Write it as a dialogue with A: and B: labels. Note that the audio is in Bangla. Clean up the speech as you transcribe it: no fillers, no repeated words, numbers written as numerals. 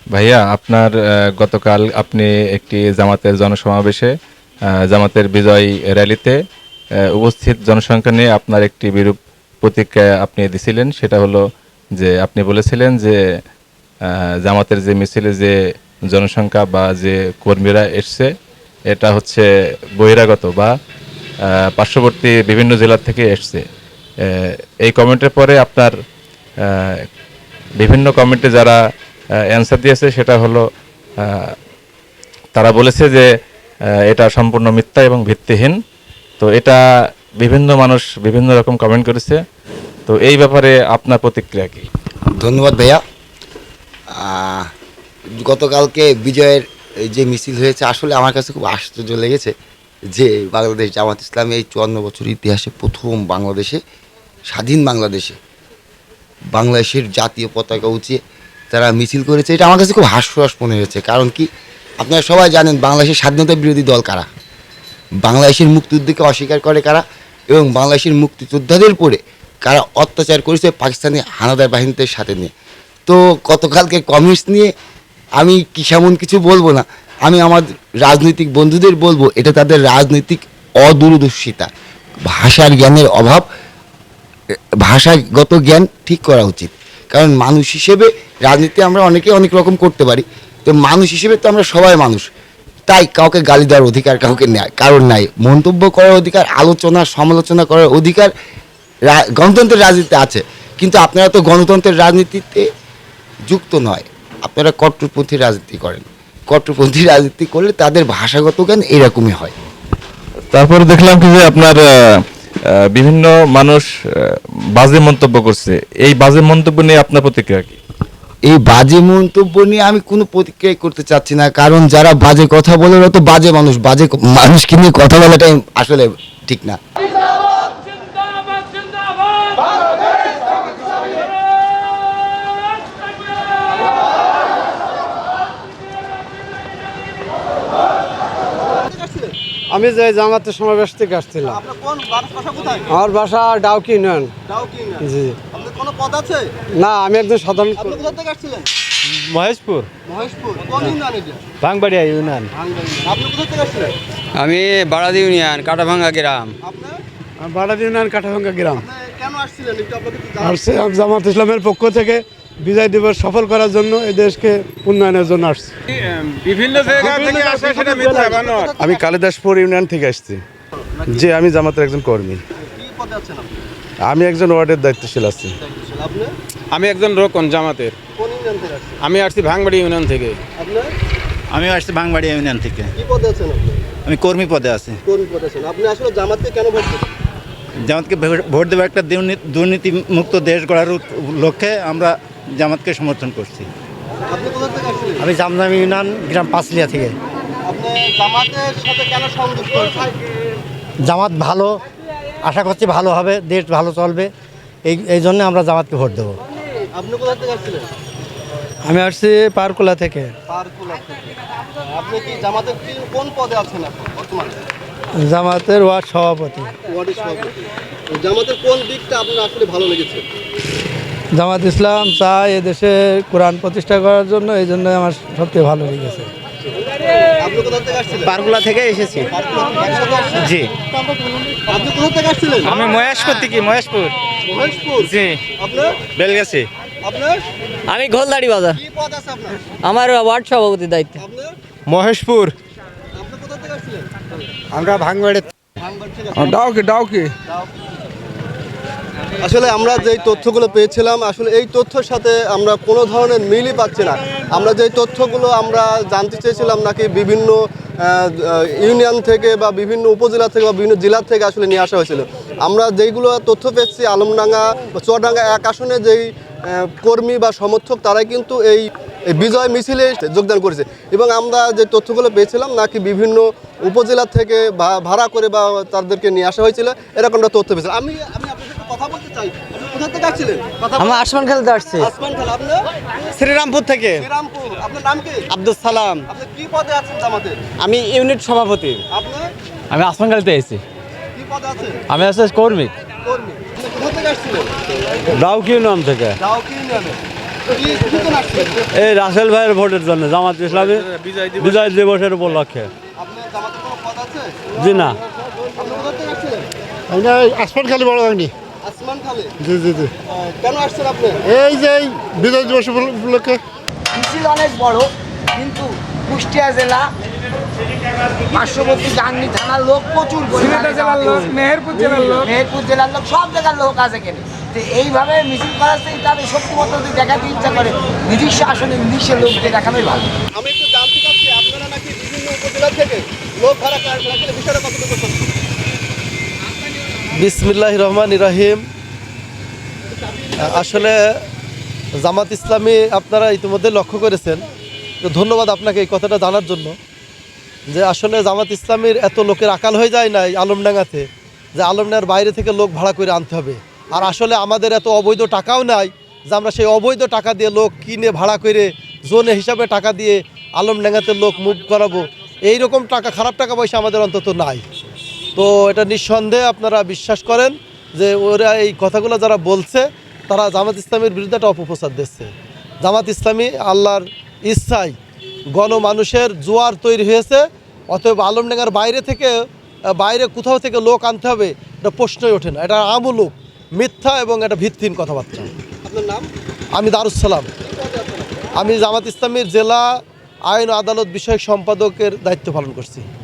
A: ভাইয়া আপনার গতকাল আপনি একটি জামাতের জনসমাবেশে জামাতের বিজয় র্যালিতে উপস্থিত জনসংখ্যা নিয়ে আপনার একটি বিরূপ প্রতিক্রিয়া আপনি দিছিলেন। সেটা হলো যে আপনি বলেছিলেন যে জামাতের যে মিছিলে যে জনসংখ্যা বা যে কর্মীরা এসছে এটা হচ্ছে বহিরাগত বা পার্শ্ববর্তী বিভিন্ন জেলা থেকে এসছে। এই কমেন্টের পরে আপনার বিভিন্ন কমেন্টে যারা অ্যান্সার দিয়েছে সেটা হলো তারা বলেছে যে এটা সম্পূর্ণ মিথ্যা এবং ভিত্তিহীন। তো এটা বিভিন্ন মানুষ বিভিন্ন রকম কমেন্ট করেছে। তো এই ব্যাপারে আপনার প্রতিক্রিয়া কি?
B: ধন্যবাদ ভাইয়া। আহ, গতকালকে বিজয়ের এই যে মিছিল হয়েছে আসলে আমার কাছে খুব আশ্চর্য লেগেছে যে বাংলাদেশ জামাত ইসলামী এই 54 বছর ইতিহাসে প্রথম বাংলাদেশে স্বাধীন বাংলাদেশের জাতীয় পতাকা উঁচিয়ে তারা মিছিল করেছে। এটা আমার কাছে খুব হাস্যরস মনে হয়েছে। কারণ কি, আপনারা সবাই জানেন বাংলাদেশের স্বাধীনতা বিরোধী দল কারা, বাংলাদেশের মুক্তিযুদ্ধকে অস্বীকার করে কারা, এবং বাংলাদেশের মুক্তিযোদ্ধাদের পরে কারা অত্যাচার করেছে পাকিস্তানি হানাদার বাহিনীদের সাথে নিয়ে। তো গতকালকে কমিউনিস্ট নিয়ে আমি কি সেমন কিছু বলবো না, আমি আমার রাজনৈতিক বন্ধুদের বলবো এটা তাদের রাজনৈতিক অদূরদর্শিতা, ভাষার জ্ঞানের অভাব। ভাষাগত জ্ঞান ঠিক করা উচিত। কারণ মানুষ হিসেবে রাজনীতি আমরা অনেকে অনেক রকম করতে পারি, তো মানুষ হিসেবে তো আমরা সবাই মানুষ। তাই কাউকে গালি দেওয়ার অধিকার কাউকে নেয় কারণ নাই, মন্তব্য করার অধিকার, আলোচনা সমালোচনা করার অধিকার গণতন্ত্রের রাজনীতিতে আছে। কিন্তু আপনারা তো গণতন্ত্রের রাজনীতিতে যুক্ত নয়, আপনারা কট্টরপন্থী রাজনীতি করেন। কট্টরপন্থী রাজনীতি করলে তাদের ভাষাগত জ্ঞান এরকমই হয়।
A: তারপরে দেখলাম কি যে আপনার বিভিন্ন মানুষ বাজে মন্তব্য করছে। এই বাজে মন্তব্য নিয়ে আপনার প্রতিক্রিয়া কি?
B: এই বাজে মন্তব্য নিয়ে আমি কোনো প্রতিক্রিয়া করতে চাচ্ছি না, কারণ যারা বাজে কথা বলে ওরা তো বাজে মানুষ। বাজে মানুষকে নিয়ে কথা বলাটাই আসলে ঠিক না।
C: আমি যে জামাতের সমাবেশ থেকে আসছিলাম। আমার বাসা ডাউকি ইউনিয়ন। জি। না, আমি একজন সাধারণ।
D: মহেশপুর। ভাঙবাড়িয়া ইউনিয়ন।
E: আমি বারাদি ইউনিয়ন কাটাভাঙ্গা গ্রাম।
C: বারাদি ইউনিয়ন কাটাভাঙ্গা গ্রাম। আসছে জামাত ইসলামের পক্ষ থেকে বিজয় দিবস সফল করার জন্য, এই দেশকে উন্নয়নের জন্য আসছে।
D: বিভিন্ন জায়গা থেকে আসে, সেটা মিথ্যা বানোয়াট।
F: আমি কালিদাসপুর ইউনিয়ন থেকে আসছি। জি, আমি জামাতের একজন কর্মী। আমি একজন ওয়ার্ডের দায়িত্বশীল আছি।
D: আমি একজন রোকন জামাতের। আমি আসছি ভাঙবাড়ি ইউনিয়ন থেকে।
G: আমি আসছি ভাঙবাড়ি ইউনিয়ন থেকে। আমি কর্মী পদে আছি।
H: আপনি আসলে জামাতকে কেন ভোট দেবেন?
G: জামাতকে ভোট দেবো একটা দুর্নীতি মুক্ত দেশ গড়ার লক্ষ্যে আমরা জামাতকে সমর্থন করছি।
H: আপনি কোথা থেকে আসছিলেন?
C: আমি জামদামি ইউনিয়ন গ্রাম পাঁচলিয়া থেকে।
H: আপনি জামাতের সাথে কেন সংযুক্ত হয়েছেন?
C: জামাত ভালো, আশা করছি ভালো হবে, দেশ ভালো চলবে, এই জন্য আমরা জামাতকে ভোট দেবো।
H: আপনি কোথা থেকে আসছিলেন?
C: আমি আসছি পারকুলা থেকে।
H: পারকুলা থেকে। আপনি কি জামাতের কোন পদে আছেন এখন বর্তমানে?
C: জামাতের ওয়ার্ড সভাপতি।
H: ওয়ার্ডের সভাপতি। জামাতের কোন দিকটা আপনার আসলে ভালো লেগেছে?
C: জামাত ইসলাম চায় এদেশে কোরআন প্রতিষ্ঠা করার জন্য, এই জন্য আমার সবচেয়ে ভালো লেগেছে।
H: আপনি কোথা থেকে আসছিলেন?
E: পারগুলা থেকে এসেছি। জি।
H: আপনি কোথা থেকে আসছিলেন?
D: আমি মহেশপুর থেকে। মহেশপুর।
H: মহেশপুর।
D: জি।
H: আপনার?
D: বেলগাছি।
H: আপনার?
E: আমি ঘোলদাড়ি বাজার।
H: কি পদ আছে আপনার?
E: আমার ওয়ার্ড সভাপতির দায়িত্ব।
H: আপনার?
D: মহেশপুর।
H: আপনি কোথা থেকে আসছিলেন?
C: আমরা ভাঙবাড়ি।
H: ভাঙবাড়ি থেকে।
C: ডাউকি।
H: আসলে আমরা যেই তথ্যগুলো পেয়েছিলাম, আসলে এই তথ্যের সাথে আমরা কোনো ধরনের মিলই পাচ্ছি না। আমরা যেই তথ্যগুলো আমরা জানতে চেয়েছিলাম নাকি বিভিন্ন ইউনিয়ন থেকে বা বিভিন্ন উপজেলা থেকে বা বিভিন্ন জেলা থেকে আসলে নিয়ে আসা হয়েছিল। আমরা যেইগুলো তথ্য পেয়েছি আলমডাঙ্গা বা চুয়াডাঙ্গা এক আসনে যেই কর্মী বা সমর্থক তারাই কিন্তু এই বিজয় মিছিলে যোগদান করেছে। এবং আমরা যে তথ্যগুলো পেয়েছিলাম নাকি বিভিন্ন উপজেলা থেকে ভাড়া করে বা তাদেরকে নিয়ে আসা হয়েছিল, এরকমটা তথ্য পেয়েছিলাম। আমি আপনার সাথে কথা বলতে চাই। আপনি কোথা থেকে আসছিলেন?
E: আমি আসমান খেলতে আসছি।
H: আসমান খান। আপনি?
E: শ্রীরামপুর থেকে।
H: শ্রীরামপুর। আপনার নাম কি?
E: আব্দুল সালাম।
H: আপনি কি পদে আছেন জামাতে?
E: আমি ইউনিট সভাপতি।
H: আপনি
D: আমি আসমান খেলতে এসেছি।
H: কি পদে আছেন?
D: আমি আসছি কর্মী।
H: কর্মী। আপনি কোথা থেকে আসছিলেন?
C: ডাউকি ইউনিয়ন থেকে।
H: ডাউকি ইউনিয়নে। কি জন্য আসছেন?
C: এই রাসেল ভাইয়ের ভোটের জন্য জামাত ইসলামী বিজয় দিবসের উপলক্ষে।
H: আপনার জামাতে কোনো পদ আছে?
C: জি না,
H: আপনি কোথা থেকে আসছিলেন?
C: আসমান খালি বড় হয়নি।
H: আসমান খালে।
C: জি জি জি,
H: কেন আসছেন আপনি?
C: এই যে বিজয় দিবস উপলক্ষে।
I: মিছিল অনেক বড়, কিন্তু কুষ্টিয়া জেলা পার্শ্ববর্তী গাংনী থানার লোক প্রচুর মেহেরপুর জেলার লোক সব জায়গার লোক আছে এখানে। তো এইভাবে মিছিল করাতে তাদের শক্তিমত্তা যদি দেখাতে ইচ্ছা করে নিজস্ব আসনে নিজস্ব লোকদের দেখানোই ভালো।
H: আমি একটু জানতে চাচ্ছি আপনারা নাকি বিভিন্ন উপজেলা থেকে লোক ভাড়া করেন, আসলে বিষয়টা কতটুকু সত্যি?
J: বিসমিল্লাহ রহমান রহিম। আসলে জামাত ইসলামী আপনারা ইতিমধ্যে লক্ষ্য করেছেন, তো ধন্যবাদ আপনাকে এই কথাটা জানার জন্য, যে আসলে জামাত ইসলামীর এত লোকের আকাল হয়ে যায় নাই আলমডাঙ্গাতে, যে আলমডাঙ্গার বাইরে থেকে লোক ভাড়া করে আনতে হবে। আর আসলে আমাদের এত অবৈধ টাকাও নাই যে আমরা সেই অবৈধ টাকা দিয়ে লোক কিনে ভাড়া করে জোনে হিসাবে টাকা দিয়ে আলমডাঙ্গাতে লোক মুভ করাবো, এইরকম টাকা, খারাপ টাকা পয়সা আমাদের অন্তত নাই। তো এটা নিঃসন্দেহে আপনারা বিশ্বাস করেন যে ওরা এই কথাগুলো যারা বলছে তারা জামাত ইসলামের বিরুদ্ধে একটা অপপ্রচার দিচ্ছে। জামাত ইসলামী আল্লাহর ইচ্ছায় গণমানুষের জোয়ার তৈরি হয়েছে, অতএব আলমডাঙ্গার বাইরে কোথাও থেকে লোক আনতে হবে এটা প্রশ্নই ওঠে না। এটা আমূলক মিথ্যা এবং এটা ভিত্তিহীন কথাবার্তা।
H: আপনার নাম?
J: আমি দারুসালাম, আমি জামাত ইসলামীর জেলা আইন ও আদালত বিষয়ক সম্পাদকের দায়িত্ব পালন করছি।